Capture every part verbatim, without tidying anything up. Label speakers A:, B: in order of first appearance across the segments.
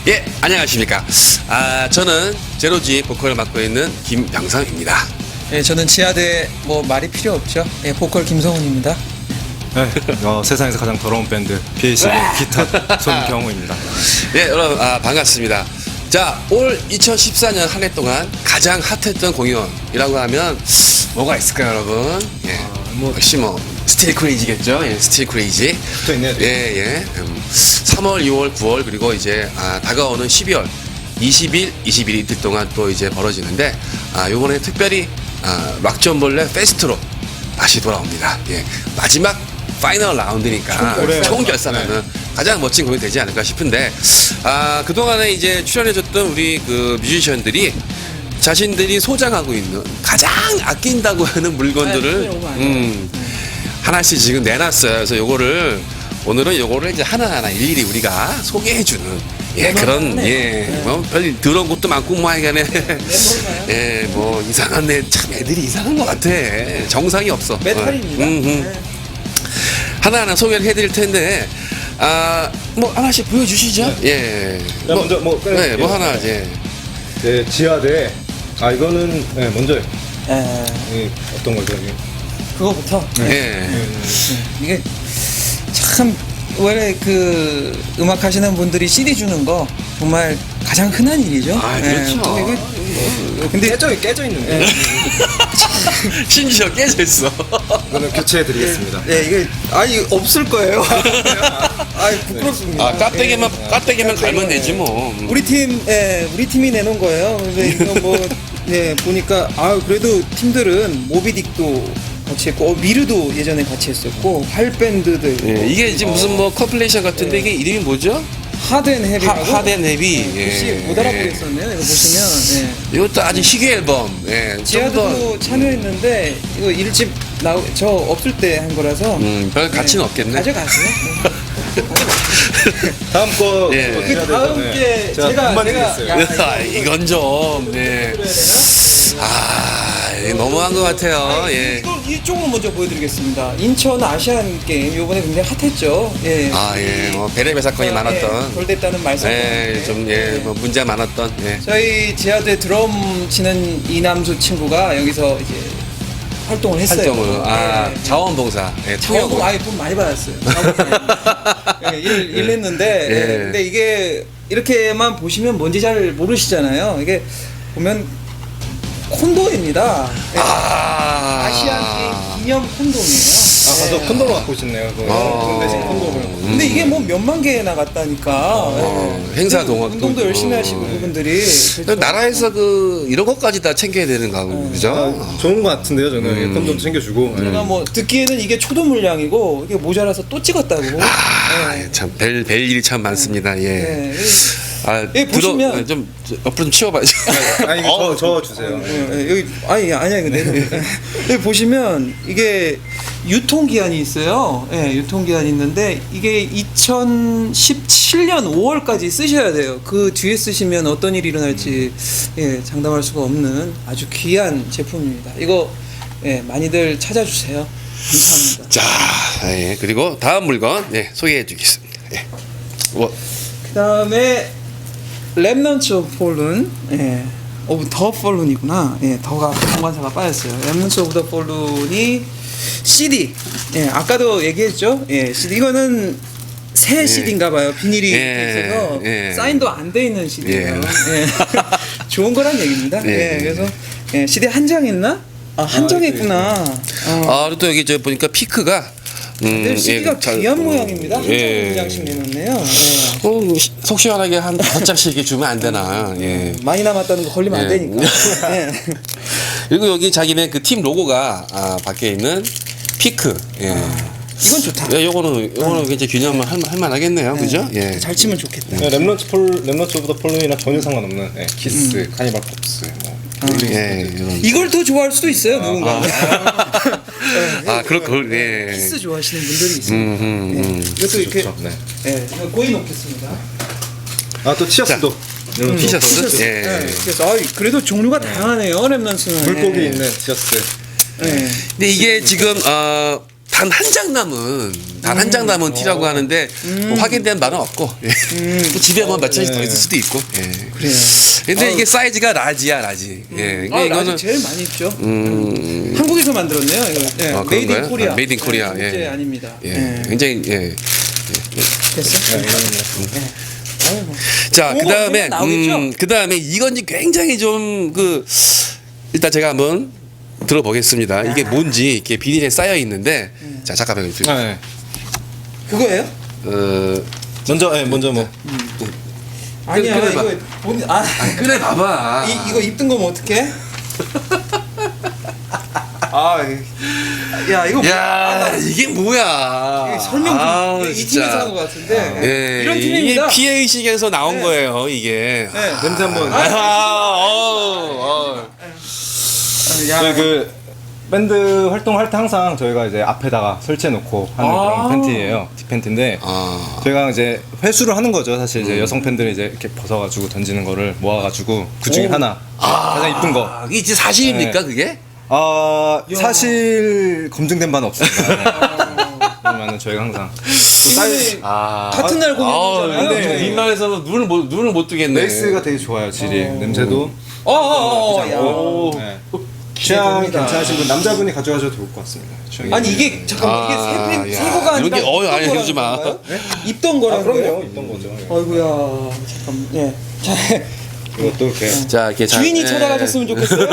A: 예, 안녕하십니까. 아, 저는 제로지 보컬을 맡고 있는 김병상입니다.
B: 예, 저는 지하대 뭐 말이 필요 없죠. 예, 보컬 김성훈입니다.
C: 네, 어, 세상에서 가장 더러운 밴드 피에이씨 기타 손경호입니다.
A: 예, 여러분 아, 반갑습니다. 자, 올 이천십사 년 한 해 동안 가장 핫했던 공연이라고 하면 뭐가 있을까요, 여러분? 예, 뭐 역시 뭐 스틸 크레이지겠죠. 예, 스틸 크레이지.
C: 또 있네요.
A: 예, 예. 음, 삼월, 이월, 구월 그리고 이제 아, 다가오는 십이월 이십 일, 이십일 이틀 동안 또 이제 벌어지는데 아, 요번에 특별히 아, 락전벌레 페스트로 다시 돌아옵니다. 예, 마지막 파이널 라운드니까 총결산하는 네. 가장 멋진 공연이 되지 않을까 싶은데 아, 그동안에 이제 출연해줬던 우리 그 뮤지션들이 자신들이 소장하고 있는 가장 아낀다고 하는 물건들을 음, 하나씩 지금 내놨어요. 그래서 요거를 오늘은 요거를 이제 하나하나 일일이 우리가 소개해주는 예 그런 예뭐별 더러운 것도 많고 뭐 하여간에 예 뭐 이상한 애 참 애들이 이상한 것 같아. 정상이 없어.
B: 메탈입니다.
A: 어, 음, 음.
B: 네.
A: 하나하나 소개를 해드릴 텐데 아 뭐 하나씩 보여주시죠.
C: 네.
A: 예.
C: 자, 먼저 뭐
A: 네, 뭐 하나 이제
C: 네, 지하대. 아 이거는 네, 먼저
B: 예,
C: 이, 어떤 거죠? 이게?
B: 그거부터
A: 예.
B: 이게 참 원래 그 음악 하시는 분들이 씨디 주는 거 정말 가장 흔한 일이죠.
A: 아, 그렇죠.
B: 예, 이거, 근데
C: 깨져 깨져 있는데.
A: 심지어 깨져 있어.
C: 이거는 교체해 드리겠습니다.
B: 예, 이게 아니 없을 거예요. 아, 부끄럽습니다.
A: 아 깍대기만 깍대기만 갈면 되지 뭐.
B: 우리 팀, 예, 우리 팀이 내놓은 거예요. 근데 이거 뭐, 예, 보니까, 아, 그래도 팀들은 모비딕도 같이 했고, 어, 미르도 예전에 같이 했었고, 활밴드들.
A: 예, 이게 지금 무슨 뭐 컴플레이션 같은데 이게 이름이 뭐죠?
B: 하덴 헤비라고.
A: 하, 하덴 헤비.
B: 혹시
A: 예.
B: 못 알아보겠었네요. 이거 보시면. 예.
A: 이것도 아주 희귀 앨범. 예. 좀
B: 지하도
A: 더,
B: 참여했는데, 이거 일집 나, 저 없을 때 한 거라서.
A: 음, 별 가치는 없겠네.
B: 가져가세요.
C: 다음 거
A: 예.
C: 뭐
B: 그
C: 지하대
B: 다음
C: 전에
B: 게
C: 제가
B: 제가
C: 분만
B: 제가
C: 드리겠어요.
B: 야,
A: 아, 이건 좀, 네.
B: 그래야 되나?
A: 아, 이거 너무한 것 같아요. 예.
B: 이걸 이쪽으로 먼저 보여드리겠습니다. 인천 아시안 게임 요번에 굉장히 핫했죠. 예.
A: 아, 예. 뭐, 베레베 사건이
B: 예,
A: 많았던.
B: 돌됐다는 말씀.
A: 예, 좀, 예, 뭐, 문제가 많았던. 예.
B: 저희 지하대 드럼 치는 이남수 친구가 여기서 이제 활동을 했어요.
A: 활동을. 아,
B: 예.
A: 자원봉사. 예,
B: 자원봉
A: 통역을.
B: 아예 돈 많이 받았어요. 예, 일, 일 했는데
A: 예.
B: 예, 근데 이게 이렇게만 보시면 뭔지 잘 모르시잖아요. 이게 보면 콘도입니다. 예.
A: 아.
B: 아시안 게임 기념 콘돔이에요.
C: 아 가서 콘돔을 갖고 싶네요. 그거.
A: 어.
C: 대신 콘돔을.
B: 근데 이게 뭐 몇만 개 나갔다니까.
A: 어, 행사 동안
B: 운동도
A: 또-
B: 열심히
A: 어,
B: 하시고
A: 네.
B: 그분들이.
A: 그 나라에서 그, 이런 것까지 다 챙겨야 되는 거고, 그죠?
C: 아, 좋은 거 같은데요, 저는
A: 음.
C: 콘돔 챙겨주고. 예.
B: 제가 뭐 듣기에는 이게 초도 물량이고 이게 모자라서 또 찍었다고.
A: 아,
B: 예.
A: 참, 별, 별 일이 참 많습니다. 예.
B: 예.
A: 아,
B: 예,
A: 들어,
B: 보시면-
A: 좀, 저, 옆으로 좀 치워봐야죠.
C: 아 이거 저, 저 주세요.
B: 예, 예, 여기 아니 아니야 이거 내 여기 보시면 이게 유통 기한이 있어요. 예, 유통 기한이 있는데 이게 이천십칠 년 오월까지 쓰셔야 돼요. 그 뒤에 쓰시면 어떤 일이 일어날지 예, 장담할 수가 없는 아주 귀한 제품입니다. 이거 예, 많이들 찾아주세요. 감사합니다.
A: 자, 예. 그리고 다음 물건, 예, 소개해 주겠습니다. 예. 뭐,
B: 그다음에 랩넌츠 오브 폴룬, 예, 오브 더 폴룬이구나. 예, 더가 공관사가 빠졌어요. 랩넌츠 오브 더 폴룬이 씨디. 예, 아까도 얘기했죠. 예, 씨디 이거는 새
A: 예.
B: 씨디인가 봐요. 비닐이
A: 예,
B: 있어서
A: 예.
B: 사인도 안 돼 있는 씨디예요.
A: 예.
B: 예. 좋은 거란 얘기입니다.
A: 예.
B: 예, 그래서 예, 씨디 한 장 했나? 아, 한 장 했구나. 어.
A: 아, 그리고 또 여기 저 보니까 피크가, 음,
B: 늘 씨디가
A: 잘-
B: 귀한
A: 음,
B: 모양입니다. 한
A: 예.
B: 장, 한 장씩 내놨네요. 예.
A: 어, 시- 속 시원하게 한 다섯 장씩 이렇게 주면 안 되나. 예.
B: 많이 남았다는 거 걸리면 안
A: 예.
B: 되니까. 예.
A: 그리고 여기 자기네 그 팀 로고가, 아, 밖에 있는 피크. 예.
B: 이건 좋다.
A: 예, 요거는, 요거는 굉장히 균형을 할, 할 만하겠네요. 그죠? 예.
B: 잘 치면 좋겠다.
C: 네, 랩런츠 폴 랩런츠 오브 더 폴룸이랑 전혀 상관없는 예, 키스,
B: 음.
C: 카니발 pop스 뭐.
A: 예, 이런.
B: 이걸 더 좋아할 수도 있어요, 누군가.
A: 아, 그렇고, 예.
B: 키스 좋아하시는 분들이 있어요.
A: 음, 음, 음.
B: 예. 이것도 이렇게
C: 좋죠. 네.
B: 예, 고이 놓겠습니다.
C: 아또 티셔츠도. 랩런츠
A: 티셔츠?
C: 오브 더 폴룸.
A: 예.
B: 예. 그래서 아, 그래도 종류가 다양하네요, 랩넌스는.
C: 물고기
B: 예.
C: 있는 티셔츠.
B: 예.
A: 근데 이게 지금, 어, 단 한 장 남은 단 한 장 남은 티라고 하는데 뭐 확인된 바는 없고 예. 또 집에 한번 몇 차씩 더 있을 수도 있고. 예.
B: 그래요.
A: 근데 이게 사이즈가 라지야 라지. 예.
B: 아,
A: 이거는
B: 라지 제일 많이 입죠.
A: 음,
B: 한국에서 만들었네요. 이거. 예.
A: 아,
B: 메이드 인
A: 그런가요?
B: 코리아.
A: 아, 메이드 인 코리아.
B: 예.
A: 예.
B: 국제 아닙니다.
A: 예.
B: 예.
A: 굉장히 예.
B: 됐어?
C: 네,
B: 아유, 뭐.
A: 자,
B: 그거
A: 그다음에
B: 나오겠죠?
A: 음, 그다음에 이건 굉장히 좀 그 일단 제가 한번 들어보겠습니다. 이게 뭔지 이렇게 비닐에 쌓여 있는데 자, 잠깐만요.
C: 아, 네.
B: 그거예요?
A: 어,
C: 먼저 네, 먼저 뭐
B: 아니야.
A: 그래,
B: 이거 본 아,
A: 그래 봐봐.
B: 이, 이거 입던 거면 어떡해? 아, 야 이거
A: 야, 이게 뭐야?
B: 이게 설명 좀
A: 아우,
B: 이
A: 진짜.
B: 팀에서 한 것 같은데
A: 예,
B: 이런
A: 이게
B: 팀입니다.
A: 피해 의식에서 나온
B: 네.
A: 거예요, 이게.
B: 네.
C: 냄새 한번.
A: 아, 어, 어.
B: 야,
C: 저희 그 밴드 활동할 때 항상 저희가 이제 앞에다가 설치해 놓고 하는
B: 아.
C: 그런 팬티예요. 뒷팬티인데
A: 아.
C: 저희가 이제 회수를 하는 거죠. 사실 이제 여성 팬들이 이제 이렇게 벗어가지고 던지는 거를 모아가지고 그 중에
B: 오.
C: 하나 가장 이쁜 거.
A: 아, 이게 진짜 사실입니까,
C: 네.
A: 그게?
C: 아 사실 검증된 바는 없습니다. 네. 그러면은 저희가 항상
B: 이거는
A: 아.
B: 같은 날 공연이잖아요.
A: 근데
C: 네.
A: 빈말에서 눈을 못 눈을 못 뜨겠네.
C: 레이스가 되게 좋아요. 질이 냄새도
B: 어어어.
C: 나쁘지
B: 야.
C: 않고. 네. 취향
B: 기대됩니다.
C: 괜찮으신 분 남자분이 가져가셔도 좋을 것 같습니다. 취향이.
B: 아니 이게 잠깐만 이게
A: 아,
B: 새팬
A: 야.
B: 새거가 아니라
A: 이런 게- 어이,
B: 입던
A: 아니,
B: 거라는
A: 이러지 마.
B: 건가요? 입던 거라는
C: 아, 그럼요.
B: 거예요?
C: 있던 거죠. 예.
B: 어이구야 잠깐 예. 자,
C: 이것도 이렇게
A: 자, 이렇게 잘-
B: 주인이
A: 예.
B: 찾아가셨으면 좋겠어요.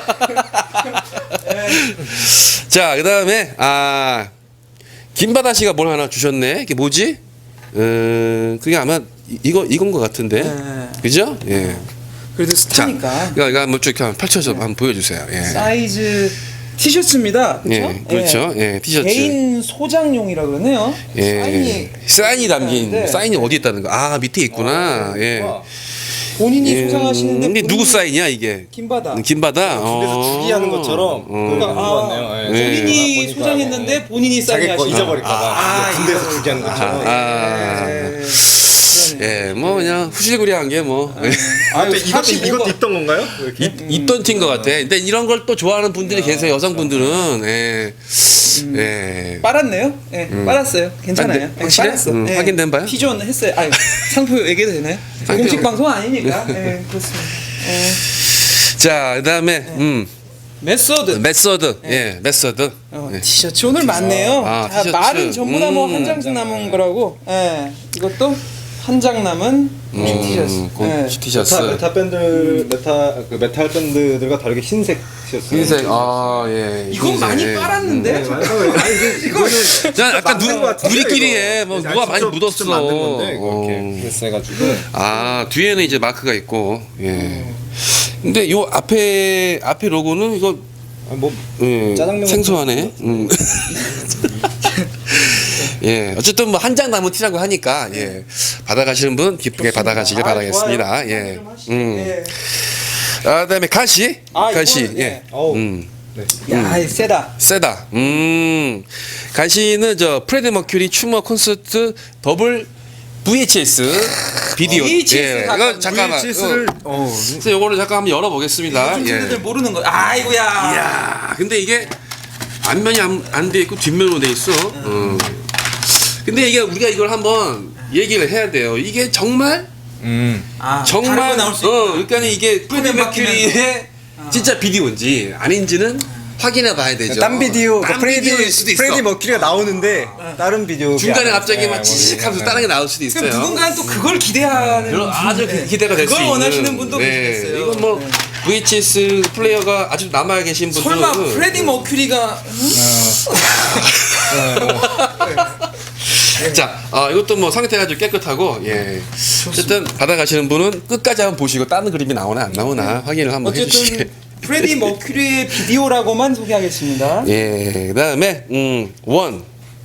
A: 자, 그다음에 아 김바다 씨가 뭘 하나 주셨네. 이게 뭐지? 음, 그게 아마 이- 이거 이건 것 같은데.
B: 네.
A: 그죠? 예.
B: 그래도
A: 자,
B: 스타니까
A: 이거 이거 한번 쭉 한번 펼쳐서 한번 보여주세요. 예.
B: 사이즈 티셔츠입니다. 그렇죠?
A: 예, 그렇죠. 예, 티셔츠.
B: 개인 소장용이라 그러네요.
A: 예.
B: 사인이
A: 사인이 담긴
B: 네.
A: 사인이 어디 있다는 거? 아, 밑에 있구나. 예.
C: 와,
B: 본인이
A: 예.
B: 소장하시는데
A: 근데 누구
B: 본인이
A: 사인이야 이게?
B: 김바다.
A: 김바다.
C: 집에서
A: 어.
C: 주기하는 것처럼
A: 어.
C: 그거 것 같네요. 예.
A: 네.
B: 본인이
C: 보니까,
B: 소장했는데
C: 예.
B: 본인이
C: 자기 거
B: 사인하시는
C: 잊어버릴까봐
B: 아,
C: 군대에서 주기하는 것처럼.
A: 아.
B: 예.
A: 예, 뭐 그냥 후실구리한 게 뭐.
B: 아유,
C: 이것도, 이것도, 이것도 입던 건가요? 이렇게?
A: 있- 있던 팀 것 같아. 근데 이런 걸 또 좋아하는 분들이 계세요. 여성분들은. 예. 예.
B: 빨았네요? 예, 빨았어요. 괜찮아요.
A: 아, 네.
B: 예,
A: 확실해?
B: 빨았어.
A: 음,
B: 예.
A: 확인된 바요?
B: T존 했어요. 아, 상표 얘기해도 되나요?
A: 상표.
B: 공식 방송 아니니까. 예, 그렇습니다. 예.
A: 자, 그다음에 음,
B: 메소드.
A: 메서드. 예, 메서드.
B: 어,
A: 예.
B: 티셔츠 오늘 많네요.
A: 아,
B: 자,
A: 티셔츠.
B: 말은 전부 다 뭐
A: 음.
B: 한 장씩 남은 거라고. 예. 이것도 한 장 남은 공식 티셔츠.
A: 음, 공-
B: 예.
A: 티셔츠.
C: 메타, 메타 밴드 메타 그 메탈 밴드들과 다르게 흰색 티셔츠.
A: 흰색. 아, 예.
B: 이건
A: 흰색.
B: 많이 빨았는데.
C: 네, 맞아요. 아니 이게 이거는
A: 자, 약간
C: 만든
A: 누,
C: 것 같은데,
A: 우리끼리
C: 이거.
A: 해. 뭐
C: 아니,
A: 누가 많이
C: 직접-
A: 묻었어.
C: 직접 만든 건데 이거
A: 어.
C: 이렇게 비슷해가지고.
A: 아, 뒤에는 이제 마크가 있고. 예. 근데 요 앞에 앞에 로고는 이거
C: 아, 뭐
A: 예,
C: 짜장면
A: 생소하네. 음. 예, 어쨌든 뭐 한 장 남은 티라고 하니까 예, 받아가시는 분 기쁘게 받아가시길
B: 아,
A: 바라겠습니다.
B: 좋아요.
A: 예,
B: 좀 하시죠.
A: 음.
B: 예.
A: 아, 그다음에 가시,
B: 아,
A: 가시,
B: 이거는,
A: 예,
B: 예.
C: 어우.
A: 음,
C: 네.
B: 야, 이 세다.
A: 세다. 음, 가시는 저 프레드 머큐리 추모 콘서트 더블 브이에이치에스 비디오.
B: 브이에이치에스
A: 예, 이거
B: 가까운
A: 잠깐만.
C: 브이에이치에스를
A: 어,
C: 어.
A: 그래서 요거를 잠깐 한번 열어보겠습니다.
B: 요즘
A: 예.
B: 친구들 모르는 거. 아이고야.
A: 이야, 근데 이게 앞면이 안 돼 있고 뒷면으로 돼 있어. 어. 근데 이게 우리가 이걸 한번 얘기를 해야 돼요. 이게 정말
C: 음.
B: 아,
A: 정말
B: 다른 거 나올 수
A: 어,
B: 있구나.
A: 그러니까 이게 프레드
B: 화면
A: 머큐리의 진짜 비디오인지 아닌지는 확인해 봐야 되죠.
C: 딴 비디오,
A: 딴
C: 그
A: 비디오일 수도 있어.
C: 프레디 머큐리가 나오는데 다른 비디오
A: 중간에 갑자기 막 찌직하면서 다른 게 나올 수도 있어요.
B: 그럼 누군가는 또 그걸 기대하는
A: 그럼 아주
B: 분, 네.
A: 기대가 될 수
B: 그걸
A: 있는.
B: 원하시는 분도
A: 네.
B: 계시겠어요.
A: 이건 뭐
B: 네.
A: 브이에이치에스 플레이어가 아직 남아 계신 분들은
B: 설마 프레디 머큐리가
A: 자, 어, 이것도 뭐 상태가 아주 깨끗하고, 예. 어쨌든 받아가시는 분은 끝까지 한번 보시고 다른 그림이 나오나 안 나오나 확인을 한번 해주시게.
B: 어쨌든 프레디 머큐리의 비디오라고만 소개하겠습니다.
A: 예. 그 다음에, 음, 원.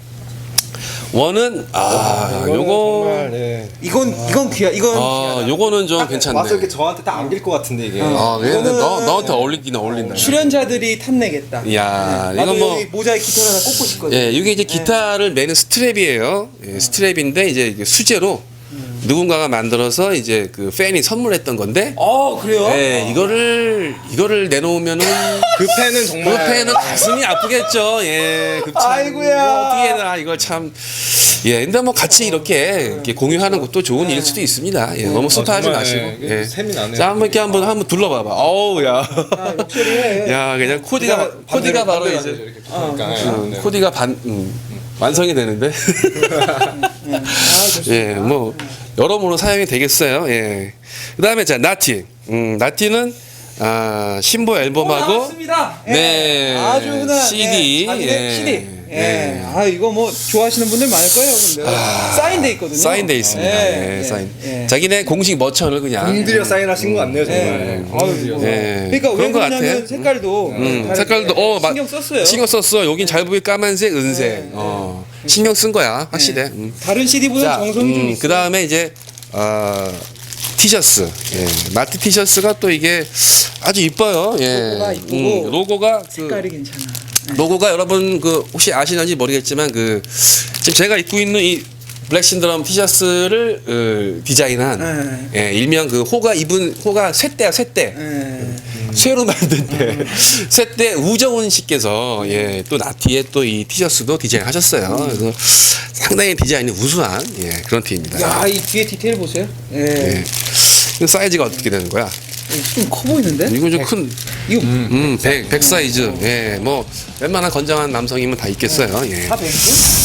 A: 원은, 아,
C: 이거는
A: 요거.
C: 정말, 네.
B: 이건 이건 귀하. 이건
A: 아,
B: 귀하다.
A: 요거는 좀
C: 와서
A: 괜찮네.
C: 이렇게 저한테 딱 안길 것 같은데 이게.
A: 아, 왜?
B: 이거는-
A: 너, 너한테 어울리긴 어울린다.
B: 출연자들이 탐내겠다.
A: 이야,
B: 나도
A: 이건 뭐.
B: 여기 모자에 기타를 하나 꽂고 싶거든.
A: 예, 이게 이제 기타를 매는 스트랩이에요. 예, 스트랩인데 이제 이게 수제로 누군가가 만들어서 이제 그 팬이 선물했던 건데
B: 어 그래요?
A: 네, 이거를 이거를 내놓으면은
C: 그 팬은
A: 그
C: 정말
A: 팬은 가슴이 아프겠죠. 예, 그 참,
B: 아이고야.
A: 뭐 어떻게 해나 이걸 참. 예, 근데 뭐 같이 이렇게, 이렇게 공유하는 것도 좋은 일일 수도 있습니다. 예, 너무 습하지
C: 정말,
A: 마시고.
C: 예,
A: 예.
C: 셈이 나네요.
A: 자, 한번 이렇게 한번 한번 둘러봐봐. 어우, 야,
B: 아, 욕처리해.
A: 야, 그냥 코디가 코디가 바로 이제
C: 이렇게 그러니까
A: 음, 코디가 반 음, 완성이 되는데.
B: 아, 좋습니다.
A: 예, 뭐 여러모로 사용이 되겠어요. 예. 그다음에 자 나티, 음, 나티는 아, 신보 앨범하고
B: 나왔습니다. 예.
A: 네,
B: 아주 흔한
A: 씨디,
B: 예, 자기네
A: 예.
B: 씨디. 예.
A: 예.
B: 아 이거 뭐 좋아하시는 분들 많을 거예요. 근데 사인돼 있거든요.
A: 사인돼 있습니다.
B: 예,
A: 예,
B: 예,
A: 사인.
B: 예.
A: 자기네 공식 머천을 그냥
C: 공들여 사인하신 거 같네요 정말.
B: 예. 아유, 뭐.
A: 예.
B: 그러니까 왜
A: 그런 것
B: 그러냐면
A: 같아.
B: 색깔도
A: 음,
B: 다르게
A: 색깔도 어 마-
B: 신경 썼어요.
A: 신경 썼어. 여긴 잘 보이 까만색, 은색.
B: 네,
A: 어, 신경 쓴 거야. 확실해. 음.
B: 다른 씨디보다
A: 자,
B: 정성이 좀
A: 음,
B: 있어요.
A: 그 다음에 이제 어, 티셔츠. 예. 마트 티셔츠가 또 이게 아주 이뻐요. 예.
B: 로고가 이쁘고
A: 음, 로고가 그
B: 색깔이 괜찮아.
A: 로고가 여러분 그 혹시 아시는지 모르겠지만 그 지금 제가 입고 있는 이 블랙 신드롬 티셔츠를 어, 디자인한 예, 일명 그 호가 입은 호가 쇠대야 쇠대.
B: 예.
A: 쇠로 만든 때 쇠대 우정훈 씨께서 예, 또 나티의 또 이 티셔츠도 디자인하셨어요. 그래서 상당히 디자인이 우수한 예, 그런 티입니다.
B: 야, 이 뒤에 디테일 보세요. 예.
A: 예. 그 사이즈가 어떻게 되는 거야?
B: 좀 커 보이는데?
A: 이거 좀 큰,
B: 이거
A: 음, 백, 백 사이즈. 예, 뭐, 웬만한 건장한 남성이면 다 있겠어요. 예.
B: 다 백이죠?